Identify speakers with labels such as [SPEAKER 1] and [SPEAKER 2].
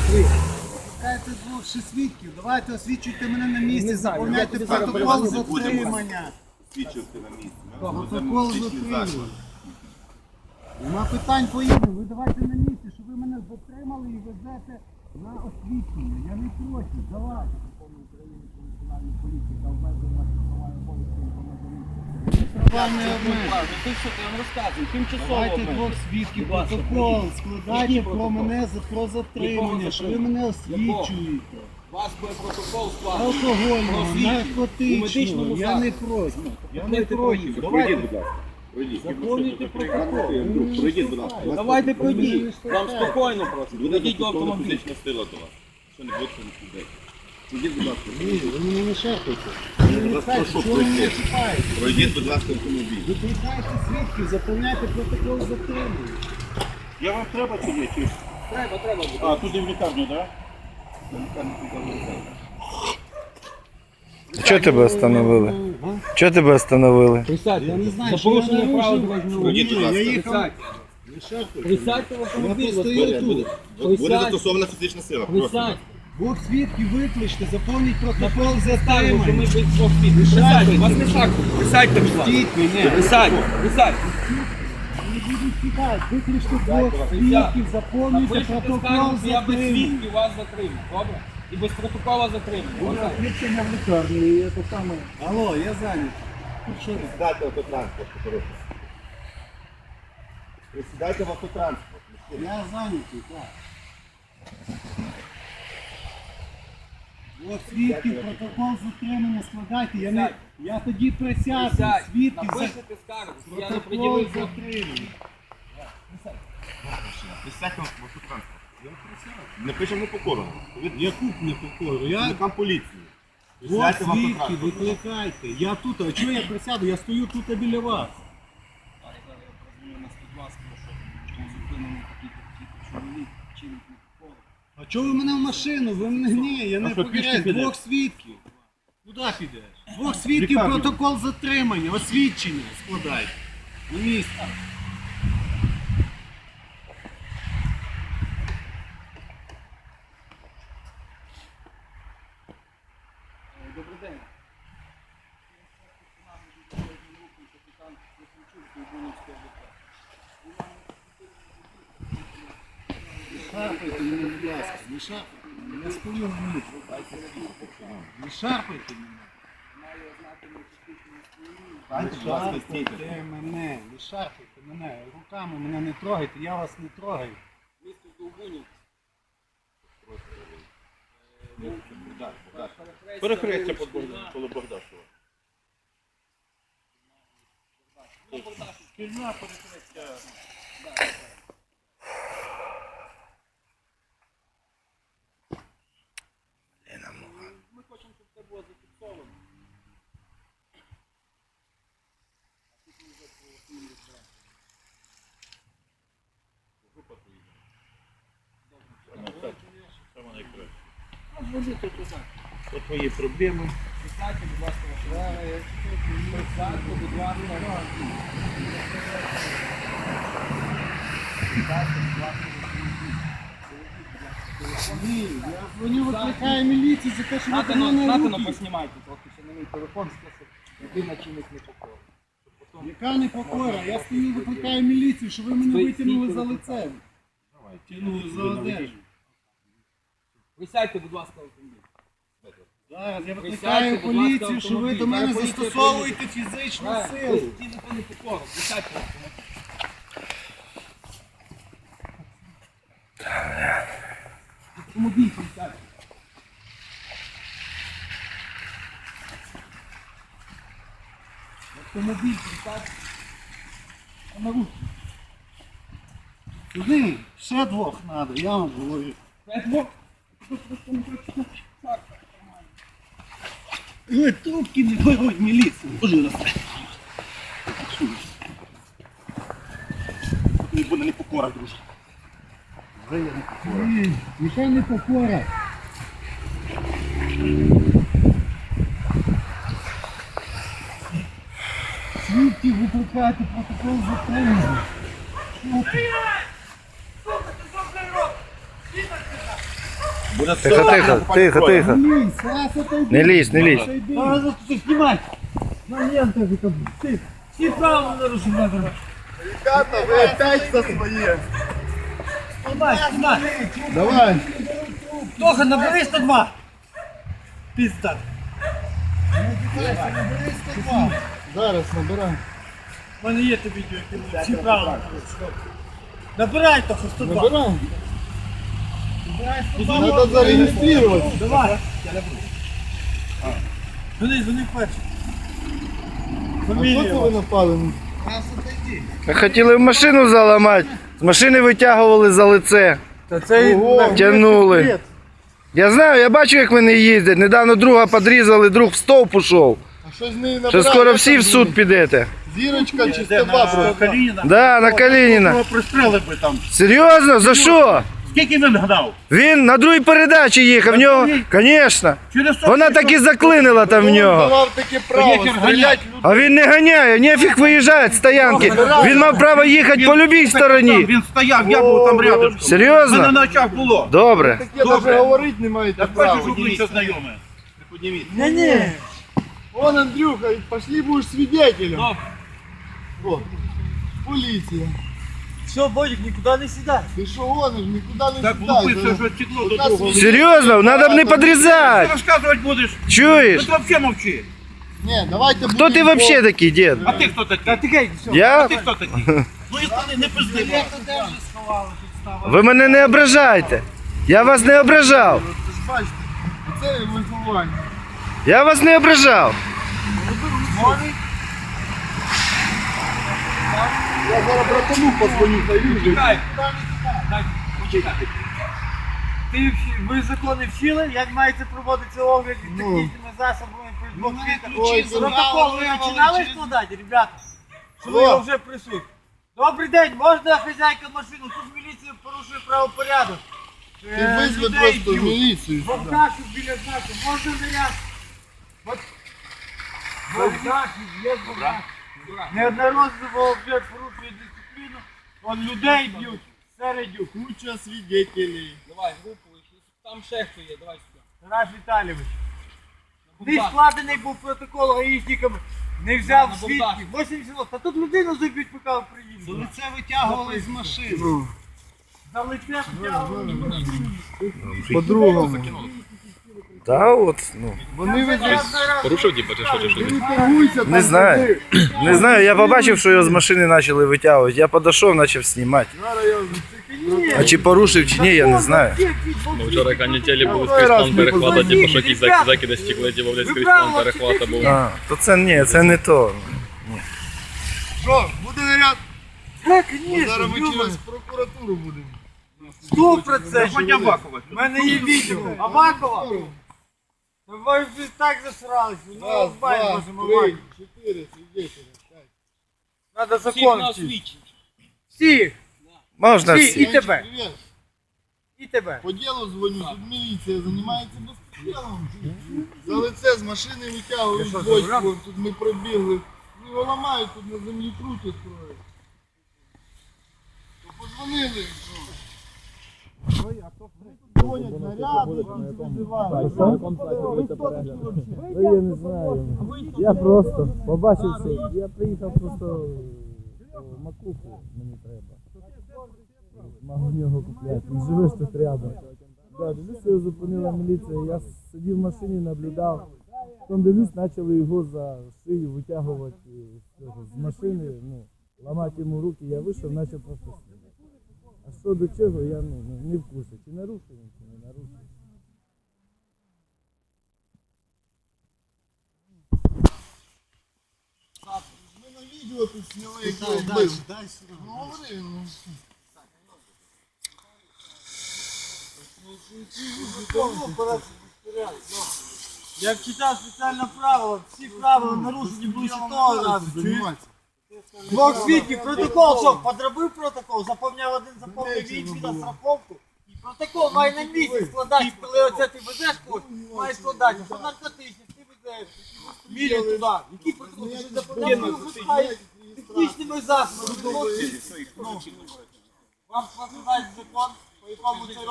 [SPEAKER 1] Пускайте двох ще свідків, давайте освічуйте мене на місці, заповняйте протокол затримання.
[SPEAKER 2] Свідчити на місці.
[SPEAKER 1] Протокол затримання. Нема питань поїдемо, ви давайте на місці, щоб ви мене затримали і везете на освічення. Я не проти, давайте. Закон України про національну поліцію та обмежує ваші права і обов'язки права не обмежує.
[SPEAKER 3] Ти що, ти вам розказуй, тимчасово
[SPEAKER 1] Давайте двох свідків, протокол складайте про мене про затримання, що ви мене освічуєте.
[SPEAKER 3] У вас буде протокол складений.
[SPEAKER 1] Алкогольного,
[SPEAKER 3] У
[SPEAKER 1] наркотичного,
[SPEAKER 3] медичному
[SPEAKER 1] я не проти. Я не проти.
[SPEAKER 2] Пройдіть, будь ласка.
[SPEAKER 3] Заповнюйте протокол.
[SPEAKER 2] Пройдіть, будь ласка.
[SPEAKER 3] Давайте пройдіть. Вам спокійно просто. Пройдіть до автомобіля.
[SPEAKER 2] Фізична сила до вас. Що не будете не сюди. Пройдіть, будь ласка.
[SPEAKER 1] Ні, ви мене не шахуйте.
[SPEAKER 2] Я вас прошу,
[SPEAKER 1] Чого ви мене
[SPEAKER 2] пройдіть.
[SPEAKER 1] чіпаєте?
[SPEAKER 2] Пройдіть, будь ласка, автомобіль.
[SPEAKER 1] Викликайте свідків, заповняйте протокол затримання.
[SPEAKER 4] Я вам треба чи ні? Чи...
[SPEAKER 3] Треба.
[SPEAKER 4] А, тут і в лікарню, так?
[SPEAKER 5] Чого тебе остановили? Чого тебе остановили?
[SPEAKER 3] Присядьте.
[SPEAKER 1] Я не знаю,
[SPEAKER 3] За
[SPEAKER 1] що я
[SPEAKER 3] порушення права
[SPEAKER 1] нарушив.
[SPEAKER 3] дорожнього руху.
[SPEAKER 2] Пройдіть, будь
[SPEAKER 1] Я
[SPEAKER 2] ласка.
[SPEAKER 1] їхав. Не шахуйте.
[SPEAKER 3] Присядьте в автомобіль.
[SPEAKER 1] Я постою тут.
[SPEAKER 2] Буде застосована фізична сила.
[SPEAKER 3] Присядь.
[SPEAKER 1] Двох свідків викличте, заповніть протокол
[SPEAKER 3] Ми
[SPEAKER 1] затримання.
[SPEAKER 3] без двох спів. Присядьте, вас не шаху. Присядьте, будь ласка.
[SPEAKER 1] Стіть мене.
[SPEAKER 3] Присядь.
[SPEAKER 1] Не будуть тікати. Викличте двох свідків, заповнюйте
[SPEAKER 3] Напишете
[SPEAKER 1] протокол
[SPEAKER 3] скаргу, я без
[SPEAKER 1] затримання.
[SPEAKER 3] свідків вас затримаю. Добре? І без протокола затримаю.
[SPEAKER 1] Відключення в лікарні, це саме. Алло, я зайнятий.
[SPEAKER 2] Присідайте в автотранспорт. Присідайте в автотранспорт.
[SPEAKER 1] Я зайнятий, так. Двох свідків, протокол затримання складайте. Я тоді присяду.
[SPEAKER 3] Присядь.
[SPEAKER 1] Свідків за
[SPEAKER 3] Напишете скаргу, що я не
[SPEAKER 1] протокол
[SPEAKER 3] пред'явив.
[SPEAKER 1] затримання.
[SPEAKER 2] Присядьте в автотранспорт. Не пишемо покору.
[SPEAKER 1] Яку непокору? Я
[SPEAKER 2] Працівникам поліції.
[SPEAKER 1] двох
[SPEAKER 2] Присядьте в
[SPEAKER 1] свідків
[SPEAKER 2] автотранспорт.
[SPEAKER 1] викликайте. Я тут, а чого я присяду? Я стою тут біля вас. А чого ви мене в машину? Ви мене ні, я не
[SPEAKER 4] що, пішки
[SPEAKER 1] покоряю.
[SPEAKER 4] підеш?
[SPEAKER 1] Двох свідків. Куди підеш? Двох свідків
[SPEAKER 4] Лікарню.
[SPEAKER 1] протокол затримання, освідчення складайте. На місці.
[SPEAKER 3] Добрий день.
[SPEAKER 1] Шарпайте мене, будь ласка, не шарпайте мене. Я стою в місці. Не шарпайте мене.
[SPEAKER 2] Будь ласка, стійте.
[SPEAKER 1] Шарпайте мене, не шарпайте мене. Руками мене не трогайте, я вас не трогаю.
[SPEAKER 3] Місто Довбунів.
[SPEAKER 4] Перехрестя коло Богдашова. Шкільна перехрестя.
[SPEAKER 3] Ми хочемо, щоб це було зафіксовано.
[SPEAKER 4] Саме найкраще. Це твої проблеми.
[SPEAKER 3] Присядьте, будь ласка, ваші. Присядьте, будь ласка.
[SPEAKER 1] Ні, я дзвоню, викликаю міліцію за те, що ви до мене
[SPEAKER 3] Натано
[SPEAKER 1] руки.
[SPEAKER 3] поснімайте трохи, ще на мій телефон список. Людина чимось не покоїть.
[SPEAKER 1] Яка непокора? Я стою, викликаю міліцію, що ви мене витягнули за лицем. Тягнули за одежу.
[SPEAKER 3] Присядьте, будь ласка, в автомобіль.
[SPEAKER 1] Зараз я
[SPEAKER 3] Присядьте,
[SPEAKER 1] викликаю
[SPEAKER 3] будь ласка,
[SPEAKER 1] поліцію, що ви до мене
[SPEAKER 3] автомобіль. Зараз поліція
[SPEAKER 1] застосовуєте фізичну силу.
[SPEAKER 3] Стійте не покору. Присядьте в автомобіль. Автомобіль присядьте. Автомобіль присядьте. А на руки.
[SPEAKER 1] Сюди ще двох треба, я вам говорю.
[SPEAKER 3] П'ять.
[SPEAKER 1] Ви трубки не беруть міліцію.
[SPEAKER 2] Не буде непокора, друже.
[SPEAKER 1] Ні, яка непокора. Свідків викликати протокол затримання. Що ти?
[SPEAKER 4] Буде
[SPEAKER 5] Тихо, тихо, тихо, тихо.
[SPEAKER 1] Лізь, Стас, отойди.
[SPEAKER 5] Не лізь, не лізь.
[SPEAKER 1] Отойди.
[SPEAKER 3] Надо тут снимать. На лентах это. Все правила нарушили.
[SPEAKER 2] Ребята, ви опять за своє.
[SPEAKER 3] Снимай, снимай.
[SPEAKER 1] Давай.
[SPEAKER 3] Тоха, набери 102. Пизда.
[SPEAKER 1] Зараз набирай.
[SPEAKER 3] У мене є те відео, яке всі правила. Набирай, Тоха, 102.
[SPEAKER 1] Набирай. Надо зареєструватися.
[SPEAKER 3] Давай. Звони перший.
[SPEAKER 1] А
[SPEAKER 3] Фамілія.
[SPEAKER 1] хто це ви напали?
[SPEAKER 5] Хотіли в машину заламати. З машини витягували за лице.
[SPEAKER 3] Та це
[SPEAKER 5] Тягнули. Я знаю, я бачу, як вони їздять. Недавно друга підрізали, друг в стовп ушов.
[SPEAKER 1] А що з нею
[SPEAKER 5] Що
[SPEAKER 1] набирай?
[SPEAKER 5] скоро всі в суд підете.
[SPEAKER 1] Зірочка чи 102 просто?
[SPEAKER 4] Калініна.
[SPEAKER 5] Да, на Калініна.
[SPEAKER 4] Його пристрели би там.
[SPEAKER 5] Серйозно? За що?
[SPEAKER 4] Скільки він гнав?
[SPEAKER 5] Він на другій передачі їхав, в нього, звісно.
[SPEAKER 4] Через що?
[SPEAKER 5] Вона так і заклинила там в нього.
[SPEAKER 1] Давав таке право
[SPEAKER 4] Ветер
[SPEAKER 1] стріляти
[SPEAKER 4] ганять.
[SPEAKER 5] А він не ганяє, нефіг виїжджає з стоянки. Він мав право їхати по любій стороні.
[SPEAKER 4] Він стояв, я був там рядом. Мене
[SPEAKER 5] Серйозно?
[SPEAKER 4] на очах було.
[SPEAKER 5] Добре.
[SPEAKER 1] таке
[SPEAKER 4] Добре.
[SPEAKER 1] навіть говорити не маєте
[SPEAKER 4] Так
[SPEAKER 1] права.
[SPEAKER 4] бачиш, обличчя знайоме.
[SPEAKER 3] Не-не.
[SPEAKER 1] Вон, Андрюха, пошли будешь свидетелем. О, поліція.
[SPEAKER 3] Все, Бодик, никуда не сідай.
[SPEAKER 1] Ти що гониш, нікуди не
[SPEAKER 4] Так
[SPEAKER 1] сідай.
[SPEAKER 4] влупився, що стекло до другого.
[SPEAKER 5] Серйозно, треба б не
[SPEAKER 4] Ти
[SPEAKER 5] підрізати.
[SPEAKER 4] розказувати будеш?
[SPEAKER 5] Чуєш?
[SPEAKER 4] Ти взагалі мовчи.
[SPEAKER 1] Ні, давайте
[SPEAKER 5] Хто ти взагалі такий, дід?
[SPEAKER 4] А ти хто такий?
[SPEAKER 3] Та ти гей, все.
[SPEAKER 5] Я?
[SPEAKER 4] Ти хто такий? Ну і не пизди.
[SPEAKER 5] Ви мене не ображайте. Я вас не ображав.
[SPEAKER 1] Ви ж бачите, це виховання.
[SPEAKER 5] Я вас не ображав.
[SPEAKER 1] Я зараз братану позвоню, та їжджу.
[SPEAKER 3] Ви закони вчили, як мається проводитися огляд технічними засобами при двох
[SPEAKER 1] Ой,
[SPEAKER 3] світах? Протокол ви починали складати, ребята? Що ви його вже присуть? Добрий день, можна хазяйка машину? Тут міліція порушує правопорядок.
[SPEAKER 1] Ти визви
[SPEAKER 3] Людей
[SPEAKER 1] просто в
[SPEAKER 3] б'ють.
[SPEAKER 1] міліцію.
[SPEAKER 3] Богдашів біля знаку, можна наряд? Богдашів, є Богдашів. Неодноразово вже порушує дисципліну, он людей б'ють, середню.
[SPEAKER 1] Куча свидетелей.
[SPEAKER 6] Давай, групу, там ще хто є, давай сюди.
[SPEAKER 3] Тарас Віталійович. Не складений був протокол гаїшниками, не взяв свідків. 80 років. Та тут людину заб'ють, поки приїде.
[SPEAKER 1] Це витягували з машини.
[SPEAKER 3] За лице втягували в машину.
[SPEAKER 1] По-другому.
[SPEAKER 5] Та от, ну.
[SPEAKER 1] Вони
[SPEAKER 6] Порушив, типу, чи що, чи що?
[SPEAKER 1] торгуються.
[SPEAKER 5] Не знаю. Не знаю, я побачив, що його з машини почали витягувати. Я підійшов, почав знімати. А чи порушив, чи ні, я не знаю.
[SPEAKER 6] Ми вчора канітелі були скрізь план перехвата, типу, що якісь закиди стекли, типу, блядь, скрізь план перехвата був.
[SPEAKER 5] А, то це ні, це не то.
[SPEAKER 1] Що, буде наряд?
[SPEAKER 3] Так,
[SPEAKER 1] Зараз ми
[SPEAKER 3] звісно,
[SPEAKER 1] через прокуратуру будемо.
[SPEAKER 3] 100%.
[SPEAKER 4] Хоч Авакова.
[SPEAKER 3] У мене є відео. Авакова? Ви вже так засралися. Ну,
[SPEAKER 1] Раз,
[SPEAKER 3] бай,
[SPEAKER 1] два,
[SPEAKER 3] можемо
[SPEAKER 1] три,
[SPEAKER 3] Авакова.
[SPEAKER 1] 4 свидетеля.
[SPEAKER 3] Надо
[SPEAKER 6] Всіх
[SPEAKER 3] закон
[SPEAKER 6] нас
[SPEAKER 3] вчити.
[SPEAKER 6] вічить.
[SPEAKER 3] Всіх.
[SPEAKER 5] Можна
[SPEAKER 3] Всі,
[SPEAKER 5] всі.
[SPEAKER 3] і тебе.
[SPEAKER 1] Привіт.
[SPEAKER 3] І тебе.
[SPEAKER 1] По ділу дзвоню, тут міліція займається безпреділом. За лице з машини витягують бочку, тут ми пробігли. Ну, його ламають, тут на землі крутять кроють. То позвонили. Дзвонять наряди, тут визивають.
[SPEAKER 7] Я не знаю. Я просто побачив це. Я приїхав просто макуху мені треба. Мав у нього купляти. Він живеш тут рядом. Да, дивлюсь, його зупинила міліція. Я сидів в машині, наблюдав. Потім дивлюсь, почали його за шию витягувати з машини, ну, ламати йому руки. Я вийшов, почав просто стріляти. А що до чого, я не в курсі. Чи нарушив він, чи не нарушив.
[SPEAKER 1] Ми на відео тут зняли, як його вбив. Ну, говори, ну.
[SPEAKER 3] Я читав спеціальне правило, всі правила нарушені були ще того разу.
[SPEAKER 1] Займатися.
[SPEAKER 3] Двох свідків, протокол, що, подробив протокол, заповняв один, заповнив інший на страховку. Протокол має на місці складати, коли оце ти везеш когось, має складати, що наркотичний, ти везеш, мілі туди. Який протокол? Ти ж заповняв, ти випускаєш технічними засобами. Вам складають закон, по якому це